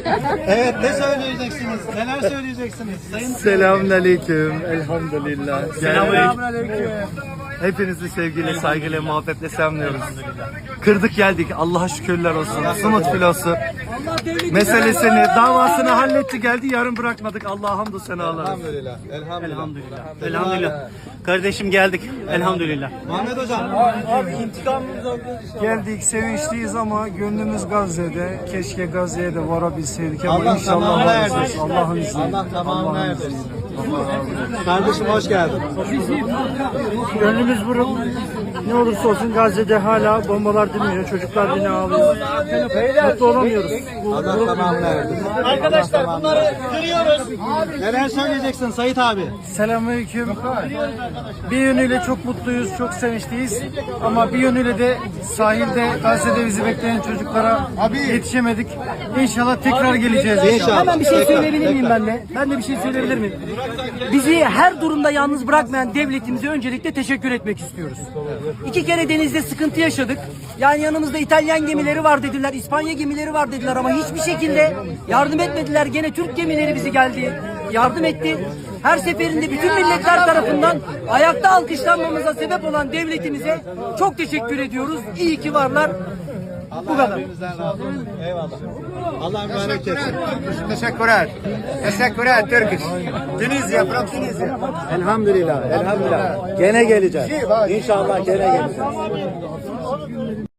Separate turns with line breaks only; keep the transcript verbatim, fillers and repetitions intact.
Evet, ne söyleyeceksiniz? Neler söyleyeceksiniz? Sayın
Selamünaleyküm. Elhamdülillah.
Selamünaleyküm.
Hepinizi sevgiyle, saygıyla, muhabbetle selamlıyoruz. Kırdık geldik. Allah'a şükürler olsun. Sumut filosu meselesini, davasını halletti geldi. Yarın bırakmadık. Allah'a hamdü senalar.
Elhamdülillah. Elhamdülillah.
Elhamdülillah. Elhamdülillah. Kardeşim geldik. Elhamdülillah.
Muhammed Hocam.
Geldik, sevinçliyiz ama gönlümüz Gazze'de. Keşke Gazze'ye de varabilseydik ama
Allah
inşallah
tamamına
varacağız.
erdirsin.
Allah'ın izniyle.
Allah tamamına
Allah'ın
erdirsin.
izniyle. Allah razı olsun.
Kardeşim hoş geldin.
Gönlümüz buruk. Ne olursa olsun Gazze'de hala bombalar dinmiyor. Çocuklar yine ağlıyor. Mutlu olamıyoruz.
Allah tamamına erdirsin. Arkadaşlar bunları kırıyoruz. Neler söyleyeceksin Sait abi?
Selamünaleyküm. Bir yönüyle çok mutluyuz, çok sevinçliyiz. Ama bir yönüyle de sahilde, Gazze'de bizi bekleyen çocuklara yetişemedik. İnşallah tekrar geleceğiz.
İnşallah.
Hemen bir şey
Tekrar,
söyleyebilir miyim
tekrar.
ben de? Ben de bir şey söyleyebilir miyim? Bizi her durumda yalnız bırakmayan devletimize öncelikle teşekkür etmek istiyoruz. İki kere denizde sıkıntı yaşadık. Yani yanımızda İtalyan gemileri var dediler, İspanya gemileri var dediler ama hiçbir şekilde yardım etmediler. Gene Türk gemileri bizi geldi, yardım etti. Her seferinde bütün milletler tarafından ayakta alkışlanmamıza sebep olan devletimize çok teşekkür ediyoruz. İyi ki varlar. Bu kadar.
Hepinizden razı olsun. Eyvallah. Allah mübarek etsin.
Teşekkürler. Teşekkürler Türk. Tunizya, from Tunizya. Elhamdülillah. Elhamdülillah. Gene geleceğiz. İnşallah gene geleceğiz.